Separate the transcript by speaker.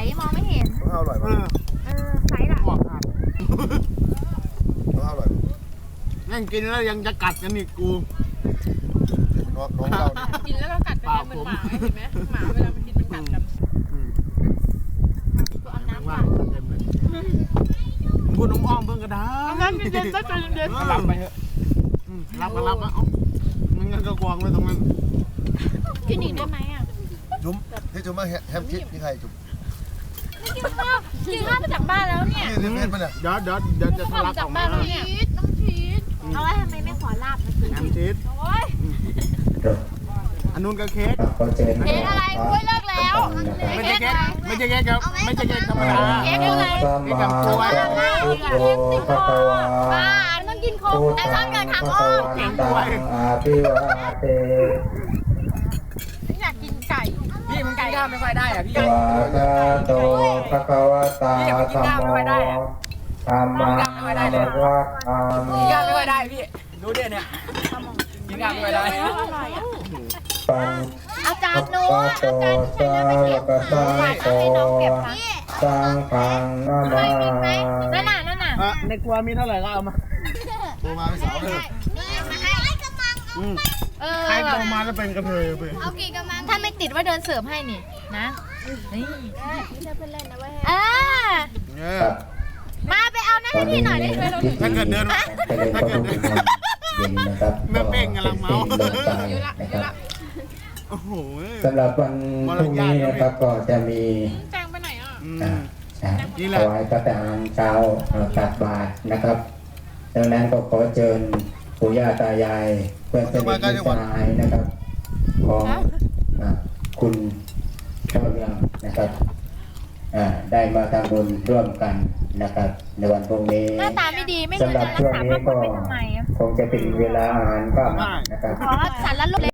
Speaker 1: มองไม่เห็น
Speaker 2: ต้องอร่อยมั้ย
Speaker 1: ใสล่ะ
Speaker 3: บอกครับ
Speaker 2: ต้องอร่อย
Speaker 3: นั่งกินแล้วยังจะกัดกันอีกกู
Speaker 2: น้องเราเนี่ย
Speaker 4: กินแล้วก็กัดกันเหมือนหมาเห็นไหมหมาเวลามันกินมันกัดกัน
Speaker 1: ตัวเอาน้ำ
Speaker 3: ว่าเต็มเลยพูดน้ำอ้อมเพิ่งก็ได้
Speaker 4: น้ำเย็นๆซะใจเย็น
Speaker 3: รับไปเถอะรับก็รับนะเอ้ามันงั้นก็กวางไว้ตรงนั้น
Speaker 1: กินอีกได้ไหมอ่ะ
Speaker 2: จุ๊มที่จุ๊มมาแฮมชีสนี่ใครจุ๊ม
Speaker 1: กินข้าวมาจากบ้านแล้วเนี่ย
Speaker 2: นี่เพื่อนมันเนี่ย
Speaker 3: เดี๋ยวจะทะลักออกมา
Speaker 1: น้องชีสเอาไว้ทำไมไม่ขอลาบมาสิ
Speaker 3: แฮมชีส
Speaker 1: โอ้ย
Speaker 3: อันนู้นก็เค้ก
Speaker 1: เค้กอะไรกล้วยเลิกแล้ว
Speaker 3: ไม่ใช่เค้กไม่ใช่เค้กครับไม่ใช่เค้กธรรมดา
Speaker 1: เค้กอะไร
Speaker 3: เค้กกับกล้วย
Speaker 1: เค้กติดคอบ้าต้องกินโค้กแต่ชอบเดินทางอ้อม
Speaker 3: เค้กกล้วย
Speaker 5: อาภิวาเต
Speaker 1: อยากกินไก่
Speaker 6: พี่มึงกินข้าวไม่ค่อยได้อ่ะพี่
Speaker 5: วากาโตภะคะวะตาธัมโมธัมมังนัมมะอามิ
Speaker 6: กินข้าวไม่ค่อยได้พี่ดูดิเนี่ยกินข้าวไม่ค่อยได้
Speaker 5: ปัง
Speaker 1: เอาจานหนู
Speaker 5: ปะ
Speaker 1: เอา
Speaker 5: โต
Speaker 1: จาน
Speaker 5: สาวกสังโฆ
Speaker 1: ให้น้องเก็บค่ะ
Speaker 5: สังฆังนามา
Speaker 1: นั่นน่ะ
Speaker 3: ในครัวมีเท่าไหร่ก็เอามา
Speaker 2: โทรมาไม่สาวเลย
Speaker 3: ใครโตมาแล้วเป็นกระเทยไป
Speaker 1: เอากี่กำมังถ้าไม่ติดว่าเดินเสิร์ฟให้นี่นะนี่ไม่ใช่เพื่อนเล่นนะเว้ยมาไปเอาหน้าให้พี่หน่อยได้ไหม
Speaker 3: ถ้าเกิดเดิน
Speaker 5: ไปเล่นก็ต้องเป็นเย็นนะครับ
Speaker 3: แม่เป้งกำลังเมา
Speaker 5: เดินตายนะครับ
Speaker 3: โอ้โห
Speaker 5: สำหรับวันพรุ่งนี้นะครับก็จะมี
Speaker 4: ๆแจงไปไหนอ่ะ
Speaker 5: ถวายพระทหารเช้าตักบาตรนะครับดังนั้นก็ขอเชิญปู่ย่าตายายเพื่อนสนิทมิตรสหายนะครับของคุณเจ้าเรืองนะครับได้มาทำบุญร่วมกันนะครับในวันพรุ่งนี้
Speaker 1: หน้าตาไม่ดีไม่
Speaker 5: สำหรับช่วงนี้ก็
Speaker 1: ไปทำไม
Speaker 5: คงจะเป็นเวลาอาหารค่ำนะครับ
Speaker 1: ขอสารละลูก